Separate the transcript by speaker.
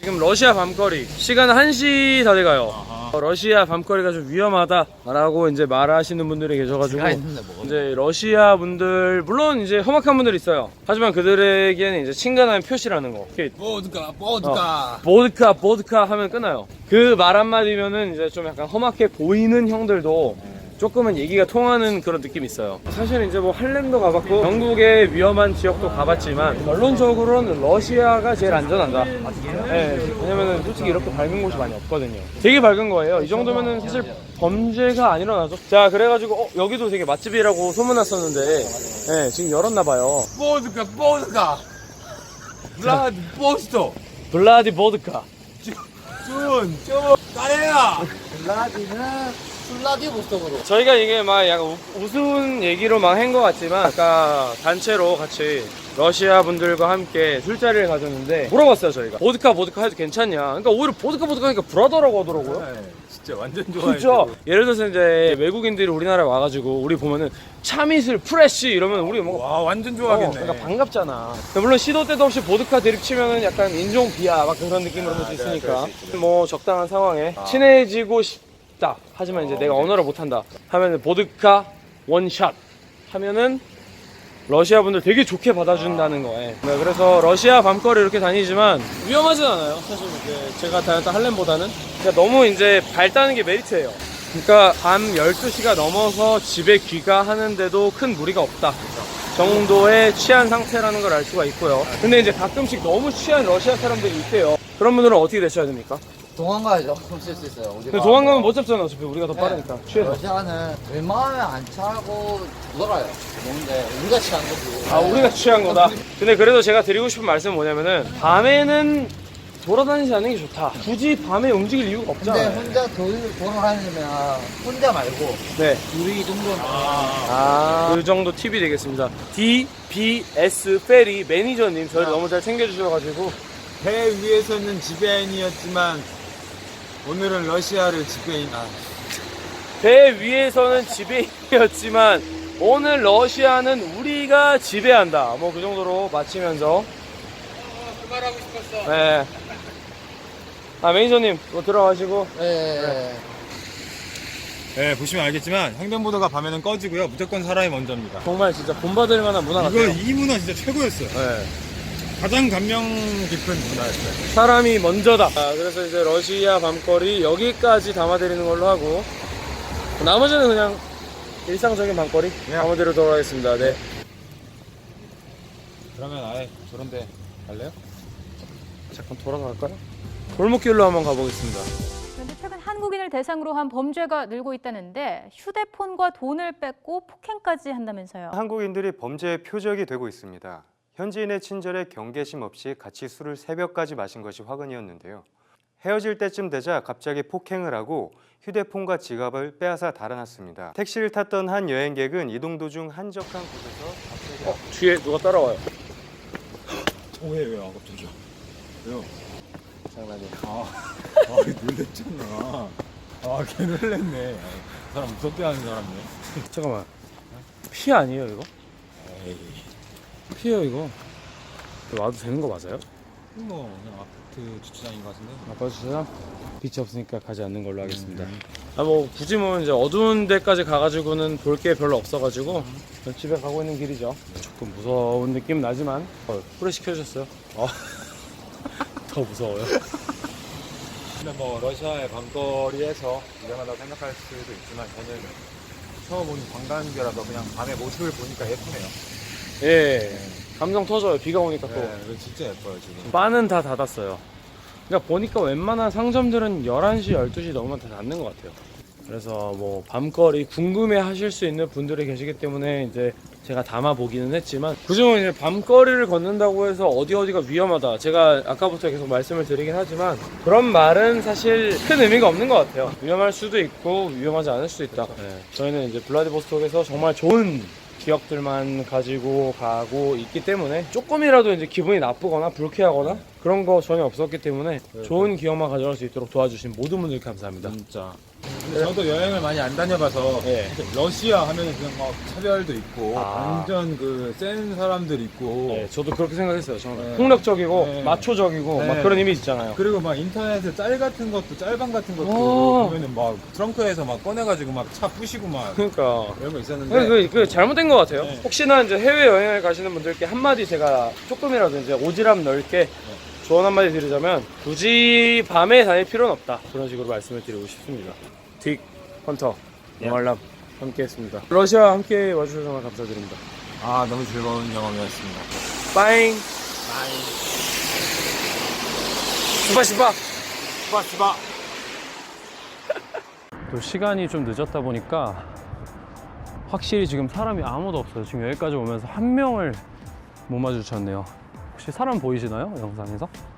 Speaker 1: 지금 러시아 밤거리 시간은 1시 다 돼가요. 러시아 밤거리가 좀 위험하다라고 이제 말하시는 분들이 계셔가지고 이제 러시아 분들 물론 이제 험악한 분들이 있어요. 하지만 그들에게는 이제 친근한 표시라는 거. 보드카 하면 끊어요. 그 말 한마디면은 이제 좀 약간 험악해 보이는 형들도 조금은 얘기가 통하는 그런 느낌이 있어요. 사실 이제 뭐 할렘도 가봤고 영국의 위험한 지역도 가봤지만 결론적으로는 러시아가 제일 안전하다. 네, 왜냐면은 솔직히 이렇게 밝은 곳이 많이 없거든요. 되게 밝은 거예요. 이 정도면은 사실 범죄가 안 일어나죠. 자, 그래가지고 여기도 되게 맛집이라고 소문났었는데 네, 지금 열었나봐요.
Speaker 2: 보드카
Speaker 1: 블라디보드카
Speaker 2: 까레야.
Speaker 3: 블라디보스톡으로.
Speaker 1: 저희가 이게 막 약간 우스운 얘기로 막 한 것 같지만 아까 단체로 같이 러시아 분들과 함께 술자리를 가졌는데 물어봤어요. 저희가 보드카 해도 괜찮냐. 그러니까 오히려 보드카 하니까 불하더라고 하더라고요.
Speaker 2: 네, 진짜 완전 좋아해.
Speaker 1: 그렇죠. 예를 들어서 이제 외국인들이 우리나라에 와가지고 우리 보면은 차미슬 프레쉬 이러면 우리 뭐
Speaker 2: 와, 완전 좋아하겠네.
Speaker 1: 그러니까 반갑잖아. 물론 시도 때도 없이 보드카 드립 치면은 약간 인종 비하 막 그런 느낌으로 볼 수 있으니까 뭐 적당한 상황에 친해지고 싶다. 하지만 이제 내가 언어를 못한다 하면은 보드카 원샷 하면은 러시아 분들 되게 좋게 받아준다는 거예요. 네, 그래서 러시아 밤거리 이렇게 다니지만 위험하진 않아요. 사실 제가 다녔던 할렘보다는. 그러니까 너무 이제 밝다는 게 메리트예요. 그러니까 밤 12시가 넘어서 집에 귀가하는데도 큰 무리가 없다 정도의 취한 상태라는 걸 알 수가 있고요. 근데 이제 가끔씩 너무 취한 러시아 사람들이 있대요. 그런 분들은 어떻게 대처해야 됩니까?
Speaker 3: 도망가야죠. 쓸 수 있어요.
Speaker 1: 근데 도망가면 못 잡잖아. 어차피 우리가 더 빠르니까. 취해서.
Speaker 3: 러시아는 웬만하면 안 차고 돌아가요. 뭔데 우리가 취한 거고.
Speaker 1: 아, 우리가 취한 거다. 근데 그래도 제가 드리고 싶은 말씀은 뭐냐면은 밤에는 돌아다니지 않는 게 좋다. 굳이 밤에 움직일 이유가
Speaker 3: 근데
Speaker 1: 없잖아요.
Speaker 3: 혼자 돌아다니면 혼자 말고
Speaker 1: 네.
Speaker 3: 둘이 정도는
Speaker 1: 그 정도 팁이 되겠습니다. DBS 페리 매니저님 저를 너무 잘 챙겨주셔가지고
Speaker 2: 배 위에서는 지배인이었지만 오늘은 러시아를
Speaker 1: 배 위에서는 지배인이었지만 오늘 러시아는 우리가 지배한다. 뭐 그 정도로 마치면서
Speaker 3: 그 말하고 싶었어.
Speaker 1: 네. 아, 매니저님 뭐 들어가시고.
Speaker 3: 네.
Speaker 2: 네, 보시면 알겠지만 횡단보도가 밤에는 꺼지고요. 무조건 사람이 먼저입니다.
Speaker 1: 정말 진짜 본받을 만한 문화 같아요.
Speaker 2: 이 문화 진짜 최고였어요.
Speaker 1: 네.
Speaker 2: 가장 감명 깊은 문화였어요.
Speaker 1: 사람이 먼저다. 그래서 이제 러시아 밤거리 여기까지 담아드리는 걸로 하고 나머지는 그냥 일상적인 밤거리 담아드리도록 하겠습니다. 네.
Speaker 2: 그러면 아예 저런데 갈래요?
Speaker 1: 잠깐 돌아갈까요? 골목길로 한번 가보겠습니다.
Speaker 4: 그런데 최근 한국인을 대상으로 한 범죄가 늘고 있다는데 휴대폰과 돈을 뺏고 폭행까지 한다면서요.
Speaker 5: 한국인들이 범죄의 표적이 되고 있습니다. 현지인의 친절에 경계심 없이 같이 술을 새벽까지 마신 것이 화근이었는데요. 헤어질 때쯤 되자 갑자기 폭행을 하고 휴대폰과 지갑을 빼앗아 달아났습니다. 택시를 탔던 한 여행객은 이동 도중 한적한 곳에서 갑자기
Speaker 1: 뒤에 누가 따라와요.
Speaker 2: 왜요? 갑자기요? 왜요?
Speaker 1: 장난이야.
Speaker 2: 놀랬잖아. 걔 놀랬네. 그 사람 무섭게 하는 사람이네.
Speaker 1: 잠깐만. 피 아니에요 이거?
Speaker 2: 에이.
Speaker 1: 피예요 이거. 이거 와도 되는 거 맞아요?
Speaker 2: 뭐 그냥 아파트 주차장인 것 같은데.
Speaker 1: 아빠 주차장? 빛이 없으니까 가지 않는 걸로 하겠습니다. 뭐 굳이 뭐 이제 어두운 데까지 가가지고는 볼 게 별로 없어가지고 집에 가고 있는 길이죠. 조금 무서운 느낌 나지만 후레쉬 켜주셨어요. 더 무서워요.
Speaker 2: 근데 뭐 러시아의 밤거리에서 위험하다고 생각할 수도 있지만 저는 처음 온 관광객이라서 그냥 밤에 모습을 보니까 예쁘네요.
Speaker 1: 예, 감성 터져요. 비가 오니까 또.
Speaker 2: 이거 진짜 예뻐요 지금.
Speaker 1: 바는 다 닫았어요. 그러니까 보니까 웬만한 상점들은 11시, 12시 넘으면 다 닫는 것 같아요. 그래서 뭐 밤거리 궁금해 하실 수 있는 분들이 계시기 때문에 이제 제가 담아보기는 했지만 그중에 이제 밤거리를 걷는다고 해서 어디가 위험하다 제가 아까부터 계속 말씀을 드리긴 하지만 그런 말은 사실 큰 의미가 없는 것 같아요. 위험할 수도 있고 위험하지 않을 수도 있다. 네. 저희는 이제 블라디보스톡에서 정말 좋은 기억들만 가지고 가고 있기 때문에 조금이라도 이제 기분이 나쁘거나 불쾌하거나 그런 거 전혀 없었기 때문에 좋은 기억만 가져갈 수 있도록 도와주신 모든 분들 감사합니다.
Speaker 2: 진짜. 근데 저도 여행을 많이 안 다녀봐서
Speaker 1: 네.
Speaker 2: 러시아 하면은 그냥 막 차별도 있고
Speaker 1: 아.
Speaker 2: 완전 그 센 사람들 있고
Speaker 1: 네, 저도 그렇게 생각했어요. 저는
Speaker 2: 네.
Speaker 1: 폭력적이고
Speaker 2: 네.
Speaker 1: 마초적이고
Speaker 2: 네.
Speaker 1: 막 그런 이미지 있잖아요.
Speaker 2: 그리고 막 인터넷에 짤 같은 것도 짤방 같은 것도
Speaker 1: 오.
Speaker 2: 보면은 막 트렁크에서 막 꺼내가지고 막 차 부시고 막
Speaker 1: 그러니까
Speaker 2: 이런 거 있었는데
Speaker 1: 그 잘못된 것 같아요.
Speaker 2: 네.
Speaker 1: 혹시나 이제 해외 여행을 가시는 분들께 한마디 제가 조금이라도 이제 오지랖 넓게 조언 한마디 드리자면 굳이 밤에 다닐 필요는 없다. 그런 식으로 말씀을 드리고 싶습니다. 딕 헌터 영알람 함께했습니다. 러시아 함께 와주셔서 정말 감사드립니다.
Speaker 2: 아 너무 즐거운 경험이었습니다.
Speaker 1: 빠잉. 스파시바.
Speaker 2: 스파스바.
Speaker 1: 또 시간이 좀 늦었다 보니까 확실히 지금 사람이 아무도 없어요. 지금 여기까지 오면서 한 명을 못 마주쳤네요. 혹시 사람 보이시나요? 영상에서?